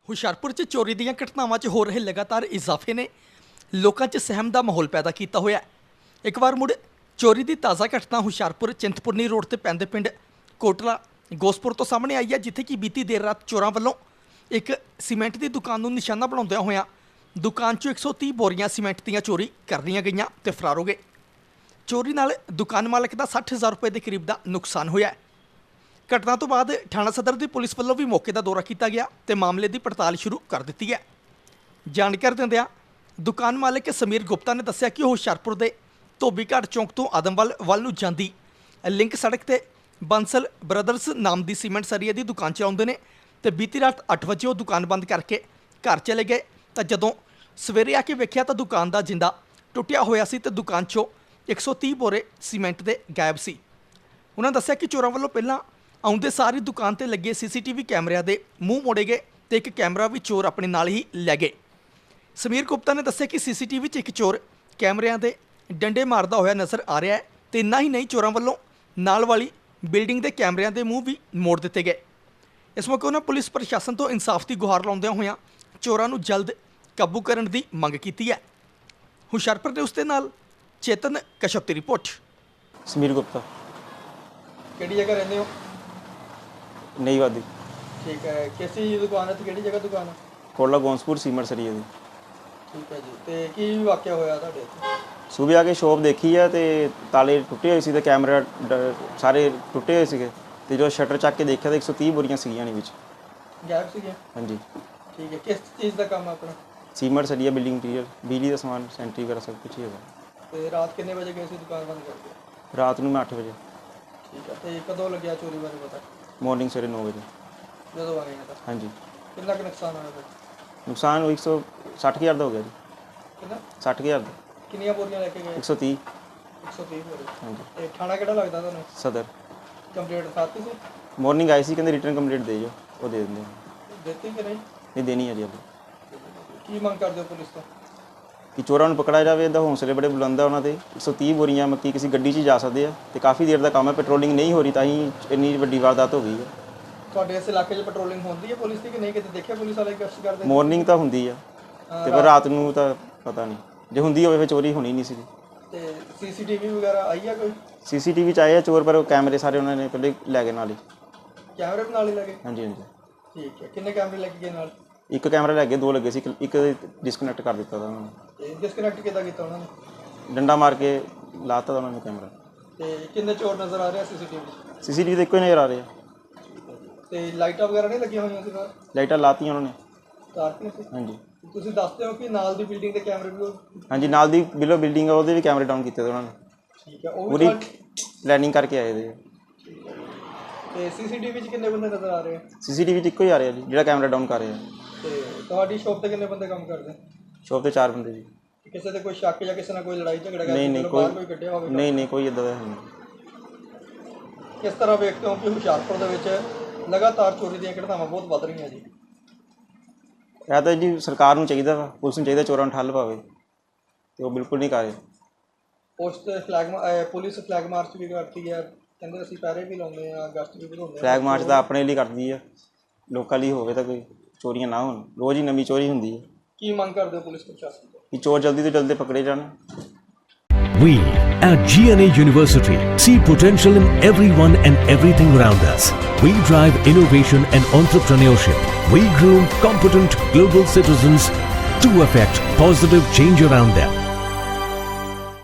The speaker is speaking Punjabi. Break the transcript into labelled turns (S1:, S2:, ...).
S1: ਹੁਸ਼ਿਆਰਪੁਰ 'ਚ ਚੋਰੀ ਦੀਆਂ ਘਟਨਾਵਾਂ 'ਚ ਹੋ ਰਹੇ ਲਗਾਤਾਰ ਇਜ਼ਾਫੇ ਨੇ ਲੋਕਾਂ 'ਚ ਸਹਿਮ ਦਾ ਮਾਹੌਲ ਪੈਦਾ ਕੀਤਾ ਹੋਇਆ ਹੈ। ਇੱਕ ਵਾਰ ਮੁੜ ਚੋਰੀ ਦੀ ਤਾਜ਼ਾ ਘਟਨਾ ਹੁਸ਼ਿਆਰਪੁਰ ਚਿੰਤਪੁਰਨੀ ਰੋਡ ਤੇ ਪੈਂਦੇ ਪਿੰਡ ਕੋਟਲਾ ਗੋਸਪੁਰ ਤੋਂ ਸਾਹਮਣੇ ਆਈ ਹੈ, ਜਿੱਥੇ ਕਿ ਬੀਤੀ ਦੇਰ ਰਾਤ ਚੋਰਾਂ ਵੱਲੋਂ ਇੱਕ ਸੀਮੈਂਟ ਦੀ ਦੁਕਾਨ ਨੂੰ ਨਿਸ਼ਾਨਾ ਬਣਾਉਂਦਿਆਂ ਹੋਇਆਂ ਦੁਕਾਨ 'ਚੋਂ 130 ਬੋਰੀਆਂ ਸੀਮੈਂਟ ਦੀਆਂ ਚੋਰੀ ਕਰ ਲਈਆਂ ਗਈਆਂ ਤੇ ਫਰਾਰ ਹੋ ਗਏ। ਚੋਰੀ ਨਾਲ ਦੁਕਾਨ ਮਾਲਕ ਦਾ 60,000 ਰੁਪਏ ਦੇ ਕਰੀਬ ਦਾ ਨੁਕਸਾਨ ਹੋਇਆ ਹੈ। ਘਟਨਾ ਤੋਂ ਬਾਅਦ ਥਾਣਾ ਸਦਰ ਦੀ ਪੁਲਿਸ ਵੱਲੋਂ ਵੀ ਮੌਕੇ ਦਾ ਦੌਰਾ ਕੀਤਾ ਗਿਆ ਤੇ ਮਾਮਲੇ ਦੀ ਪੜਤਾਲ ਸ਼ੁਰੂ ਕਰ ਦਿੱਤੀ ਹੈ। ਜਾਣਕਾਰੀ ਦਿੰਦਿਆਂ ਦੁਕਾਨ ਮਾਲਕ ਸਮੀਰ ਗੁਪਤਾ ਨੇ ਦੱਸਿਆ ਕਿ ਉਹ ਹੁਸ਼ਿਆਰਪੁਰ ਦੇ ਧੋਬੀਘਾਟ ਚੌਂਕ ਤੋਂ ਆਦਮਵਾਲ ਵੱਲ ਨੂੰ ਜਾਂਦੀ ਲਿੰਕ ਸੜਕ ਤੇ ਬੰਸਲ ਬ੍ਰਦਰਸ ਨਾਮ ਦੀ ਸੀਮੈਂਟ ਸਰੀਏ ਦੀ ਦੁਕਾਨ ਚਲਾਉਂਦੇ ਨੇ ਤੇ ਬੀਤੀ ਰਾਤ 8 ਵਜੇ ਉਹ ਦੁਕਾਨ ਬੰਦ ਕਰਕੇ ਘਰ ਚਲੇ ਗਏ ਤਾਂ ਜਦੋਂ ਸਵੇਰੇ ਆ ਕੇ ਵੇਖਿਆ ਤਾਂ ਦੁਕਾਨ ਦਾ ਜਿੰਦਾ ਟੁੱਟਿਆ ਹੋਇਆ ਸੀ ਤੇ ਦੁਕਾਨ 'ਚੋਂ 130 ਬੋਰੇ ਸੀਮੈਂਟ ਦੇ ਗਾਇਬ ਸੀ। ਉਹਨਾਂ ਦੱਸਿਆ ਕਿ ਚੋਰਾਂ ਵੱਲੋਂ ਪਹਿਲਾਂ ਆਉਂਦੇ ਸਾਰੀ ਦੁਕਾਨ ਤੇ ਲੱਗੇ ਸੀਸੀਟੀਵੀ ਕੈਮਰਿਆਂ ਦੇ ਮੂੰਹ ਮੋੜੇ ਗਏ ਤੇ ਇੱਕ ਕੈਮਰਾ ਵੀ ਚੋਰ ਆਪਣੇ ਨਾਲ ਹੀ ਲੈ ਗਏ। ਸਮੀਰ ਗੁਪਤਾ ਨੇ ਦੱਸਿਆ ਕਿ ਸੀਸੀਟੀਵੀ 'ਚ ਇੱਕ ਚੋਰ ਕੈਮਰਿਆਂ ਦੇ ਡੰਡੇ ਮਾਰਦਾ ਹੋਇਆ ਨਜ਼ਰ ਆ ਰਿਹਾ ਹੈ ਤੇ ਇੰਨਾ ਹੀ ਨਹੀਂ, ਚੋਰਾਂ ਵੱਲੋਂ ਨਾਲ ਵਾਲੀ ਬਿਲਡਿੰਗ ਦੇ ਕੈਮਰਿਆਂ ਦੇ ਮੂੰਹ ਵੀ ਮੋੜ ਦਿੱਤੇ ਗਏ। ਇਸ ਮੌਕੇ ਉਹਨਾਂ ਪੁਲਿਸ ਪ੍ਰਸ਼ਾਸਨ ਤੋਂ ਇਨਸਾਫ ਦੀ ਗੁਹਾਰ ਲਾਉਂਦਿਆਂ ਹੋਇਆਂ ਚੋਰਾਂ ਨੂੰ ਜਲਦ ਕਾਬੂ ਕਰਨ ਦੀ ਮੰਗ ਕੀਤੀ ਹੈ। ਹੁਸ਼ਿਆਰਪੁਰ ਦੇ ਉਸ ਦੇ ਨਾਲ ਚੇਤਨ ਕਸ਼ਪ ਦੀ ਰਿਪੋਰਟ।
S2: ਸਮੀਰ ਗੁਪਤਾ।
S1: ਕਿਹੜੀ ਜਗ੍ਹਾ ਰਹਿੰਦੇ ਹੋ?
S2: ਨਈ ਵਾਦੀ।
S1: ਠੀਕ ਹੈ, ਕਿਸੀ ਦੁਕਾਨ ਹੈ ਤੇ ਕਿਹੜੀ ਜਗ੍ਹਾ ਦੁਕਾਨ ਹੈ?
S2: ਕੋਟਲਾ ਗੋਂਸਪੁਰ ਸੀਮੈਂਟ ਸਰੀਏ ਦੀ।
S1: ਠੀਕ ਹੈ ਜੀ, ਤੇ ਕੀ ਵਾਕਿਆ ਹੋਇਆ ਤੁਹਾਡੇ ਇੱਥੇ?
S2: ਸੂਬੇ ਆ ਕੇ ਸ਼ੋਪ ਦੇਖੀ ਆ ਤੇ ਤਾਲੇ ਟੁੱਟੇ ਹੋਏ ਸੀ ਤੇ ਕੈਮਰਾ ਸਾਰੇ ਟੁੱਟੇ ਹੋਏ ਸੀਗੇ ਤੇ ਜਦੋਂ ਸ਼ਟਰ ਚੱਕ ਕੇ ਦੇਖਿਆ ਤਾਂ 130 ਬੋਰੀਆਂ ਸੀਗੀਆਂ ਨੇ ਵਿੱਚ।
S1: ਗਾਇਬ ਸੀਗੇ?
S2: ਹਾਂਜੀ।
S1: ਠੀਕ ਹੈ, ਕਿਸ ਚੀਜ਼ ਦਾ ਕੰਮ ਹੈ ਆਪਣਾ?
S2: ਸੀਮੈਂਟ ਸਰੀਆ, ਬਿਲਡਿੰਗ ਮਟੀਰੀਅਲ, ਬਿਜਲੀ ਦਾ ਸਮਾਨ, ਸੈਂਟਰੀ ਵਗੈਰਾ ਸਭ ਕੁਝ ਹੀ ਹੈਗਾ।
S1: ਤੇ ਰਾਤ ਕਿੰਨੇ ਵਜੇ ਗਏ ਸੀ ਦੁਕਾਨ ਬੰਦ ਕਰਕੇ?
S2: ਰਾਤ ਨੂੰ ਮੈਂ 8 ਵਜੇ।
S1: ਠੀਕ ਹੈ, ਤੇ ਕਦੋਂ ਲੱਗਿਆ ਚੋਰੀ ਬਾਰੇ ਪਤਾ?
S2: ਮਾਰਨਿੰਗ ਸਵੇਰੇ 9 ਵਜੇ।
S1: ਜਦੋਂ ਆਏ ਤਾਂ
S2: ਹਾਂਜੀ।
S1: ਕਿੰਨਾ ਕੁ ਨੁਕਸਾਨ ਹੋਇਆ ਫਿਰ?
S2: ਨੁਕਸਾਨ 160,000 ਦਾ ਹੋ ਗਿਆ ਜੀ।
S1: ਕਿੰਨਾ?
S2: 60,000 ਦਾ।
S1: ਕਿੰਨੀਆਂ ਬੋਰੀਆਂ ਲੈ ਕੇ ਗਏ?
S2: 130।
S1: 130 ਬੋਰੀ।
S2: ਹਾਂਜੀ।
S1: ਤੇ ਥਾਣਾ ਕਿਹੜਾ ਲੱਗਦਾ ਤੁਹਾਨੂੰ?
S2: ਸਦਰ।
S1: ਕੰਪਲੀਟ ਸਾਥੀ ਸੀ?
S2: ਮਾਰਨਿੰਗ ਆਈ ਸੀ, ਕਹਿੰਦੇ ਰਿਟਰਨ ਕੰਪਲੀਟ ਦੇ ਜਾਓ, ਉਹ ਦੇ ਦਿੰਦੇ ਆ।
S1: ਦਿੱਤੀ ਕਿ ਨਹੀਂ?
S2: ਨਹੀਂ ਦੇਣੀ ਹੈ ਜੀ ਅੱਗੇ।
S1: ਕੀ ਮੰਗ ਕਰਦੇ ਹੋ ਪੁਲਿਸ ਤੋਂ?
S2: ਕਿ ਚੋਰਾਂ ਨੂੰ ਪਕੜਿਆ ਜਾਵੇ। ਇਹਦਾ ਹੌਸਲੇ ਬੜੇ ਬੁਲੰਦ ਆ ਉਹਨਾਂ ਦੇ। 130 ਬੋਰੀਆਂ ਮੱਕੀ ਕਿਸੇ ਗੱਡੀ 'ਚ ਹੀ ਜਾ ਸਕਦੇ ਆ ਤੇ ਕਾਫੀ ਦੇਰ ਦਾ ਕੰਮ ਹੈ। ਪੈਟਰੋਲਿੰਗ ਨਹੀਂ ਹੋ ਰਹੀ ਤਾਂ ਹੀ ਇੰਨੀ ਵੱਡੀ ਵਾਰਦਾਤ ਹੋ ਗਈ ਹੈ।
S1: ਤੁਹਾਡੇ ਇਸ ਇਲਾਕੇ 'ਚ ਪੈਟਰੋਲਿੰਗ ਹੁੰਦੀ ਹੈ ਪੁਲਿਸ ਦੀ ਕਿ ਨਹੀਂ? ਕਿਤੇ ਦੇਖਿਆ ਪੁਲਿਸ ਵਾਲੇ ਗਸ਼ਤ ਕਰਦੇ?
S2: ਮਾਰਨਿੰਗ ਤਾਂ ਹੁੰਦੀ ਆ ਤੇ ਪਰ ਰਾਤ ਨੂੰ ਤਾਂ ਪਤਾ ਨਹੀਂ। ਜੇ ਹੁੰਦੀ ਹੋਵੇ ਫਿਰ ਚੋਰੀ ਹੋਣੀ ਨਹੀਂ ਸੀ।
S1: ਤੇ ਸੀਸੀਟੀਵੀ ਵਗੈਰਾ ਆਈ ਆ ਕੋਈ?
S2: ਸੀਸੀਟੀਵੀ 'ਚ ਆਏ ਆ ਚੋਰ, ਪਰ ਉਹ ਕੈਮਰੇ ਸਾਰੇ ਉਹਨਾਂ ਨੇ ਪਹਿਲੇ ਲੈ ਗਏ ਨਾਲ ਹੀ।
S1: ਕੈਮਰੇ ਵੀ ਨਾਲ ਹੀ ਲੱਗੇ?
S2: ਹਾਂਜੀ ਹਾਂਜੀ।
S1: ਠੀਕ ਹੈ, ਕਿੰਨੇ ਕੈਮਰੇ ਲੈ ਕੇ ਗਏ ਨਾਲ?
S2: ਇੱਕ ਕੈਮਰਾ ਲੈ ਗਏ, 2 ਲੱਗੇ ਸੀ, ਇੱਕ ਡਿਸਕਨੈਕਟ ਕਰ ਦਿੱਤਾ ਤਾ ਉਹਨਾਂ ਨੇ।
S1: ਤੇ ਡਿਸਕਨੈਕਟ ਕਿੱਦਾਂ ਕੀਤਾ ਉਹਨਾਂ ਨੇ?
S2: ਡੰਡਾ ਮਾਰ ਕੇ ਲਾਤਾ ਉਹਨਾਂ ਨੇ ਕੈਮਰਾ।
S1: ਤੇ ਕਿੰਨੇ ਚੋਰ ਨਜ਼ਰ ਆ ਰਹੇ ਆ ਸੀਸੀਟੀਵੀ?
S2: ਸੀਸੀਟੀਵੀ ਤਾਂ ਇੱਕੋ ਹੀ ਨਜ਼ਰ ਆ ਰਹੇ ਆ।
S1: ਤੇ ਲਾਈਟਾਂ ਵਗੈਰਾ ਨਹੀਂ ਲੱਗੀਆਂ ਹੋਈਆਂ ਸੀ ਬਾਹਰ?
S2: ਲਾਈਟਾਂ ਲਾਤੀਆਂ ਉਹਨਾਂ ਨੇ।
S1: ਤਾਰਤੀਆਂ ਸੀ?
S2: ਹਾਂਜੀ।
S1: ਤੁਸੀਂ ਦੱਸਦੇ ਹੋ ਕਿ ਨਾਲ ਦੀ ਬਿਲਡਿੰਗ ਦੇ ਕੈਮਰੇ ਵੀ
S2: ਹਾਂਜੀ, ਨਾਲ ਦੀ ਬਿਲੋ ਬਿਲਡਿੰਗ ਆ, ਉਹਦੇ ਵੀ ਕੈਮਰੇ ਡਾਊਨ ਕੀਤੇ ਤੇ ਉਹਨਾਂ ਨੇ।
S1: ਠੀਕ ਹੈ, ਉਹ
S2: ਪੂਰੀ
S1: ਵੀ
S2: ਪਲੈਨਿੰਗ ਕਰਕੇ ਆਏ ਦੇ।
S1: ਤੇ ਸੀਸੀਟੀਵੀ 'ਚ ਕਿੰਨੇ ਬੰਦੇ ਨਜ਼ਰ ਆ ਰਹੇ ਆ?
S2: ਸੀਸੀਟੀਵੀ 'ਚ ਇੱਕੋ ਹੀ ਆ ਰਿਹਾ ਜੀ, ਜਿਹੜਾ ਕੈਮਰਾ ਡਾਊਨ ਕਰ ਰਿਹਾ।
S1: ਤੇ ਤੁਹਾਡੀ ਸ਼ੌਪ ਤੇ ਕਿੰਨੇ ਬੰਦੇ ਕੰਮ ਕਰਦੇ?
S2: ਸ਼ੋਪ ਤੇ 4 ਬੰਦੇ ਜੀ।
S1: ਕਿਸੇ ਤੇ ਕੋਈ ਸ਼ੱਕ ਜਾਂ ਕਿਸੇ ਨਾਲ ਕੋਈ ਲੜਾਈ ਝਗੜਾ ਗਿਆ?
S2: ਨਹੀਂ
S1: ਕੋਈ ਕੱਢਿਆ ਹੋਵੇ?
S2: ਨਹੀਂ ਕੋਈ ਇੱਦਾਂ ਦਾ ਨਹੀਂ।
S1: ਕਿਸ ਤਰ੍ਹਾਂ ਵੇਖਦੇ ਹੋ ਕਿ ਹੁਸ਼ਿਆਰਪੁਰ ਦੇ ਵਿੱਚ ਲਗਾਤਾਰ ਚੋਰੀ ਦੀਆਂ ਘਟਨਾਵਾਂ ਬਹੁਤ ਵੱਧ ਰਹੀਆਂ ਜੀ?
S2: ਇਹ ਤਾਂ ਜੀ ਸਰਕਾਰ ਨੂੰ ਚਾਹੀਦਾ ਵਾ, ਪੁਲਿਸ ਨੂੰ ਚਾਹੀਦਾ ਚੋਰਾਂ ਨੂੰ ਠੱਲ ਪਾਵੇ ਤੇ ਉਹ ਬਿਲਕੁਲ ਨਹੀਂ ਕਰ ਰਹੇ।
S1: ਪੁਲਿਸ ਫਲੈਗ ਮਾਰਚ ਵੀ ਕਰਦੀ ਹੈ, ਕਹਿੰਦੇ ਅਸੀਂ ਪਹਿਰੇ ਵੀ ਲਾਉਂਦੇ ਆ, ਗਸ਼ਤ ਵੀ ਵਧਾਉਂਦੇ ਆ।
S2: ਫਲੈਗ ਮਾਰਚ ਤਾਂ ਆਪਣੇ ਲਈ ਕਰਦੀ ਆ, ਲੋਕਾਂ ਲਈ ਹੋਵੇ ਤਾਂ ਕੋਈ ਚੋਰੀਆਂ ਨਾ ਹੋਣ। ਰੋਜ਼ ਹੀ ਨਵੀਂ ਚੋਰੀ ਹੁੰਦੀ ਹੈ।
S1: ਕੀ ਮੰਗ ਕਰਦੇ ਹੋ ਪੁਲਿਸ ਪ੍ਰਸ਼ਾਸਨ ਤੋਂ?
S2: ਕਿ ਚੋਰ ਜਲਦੀ ਤੋਂ ਜਲਦੀ ਪਕੜੇ ਜਾਣ।
S3: We at GNA University see potential in everyone and everything around us. We drive innovation and entrepreneurship. We groom competent global citizens to affect positive change around them.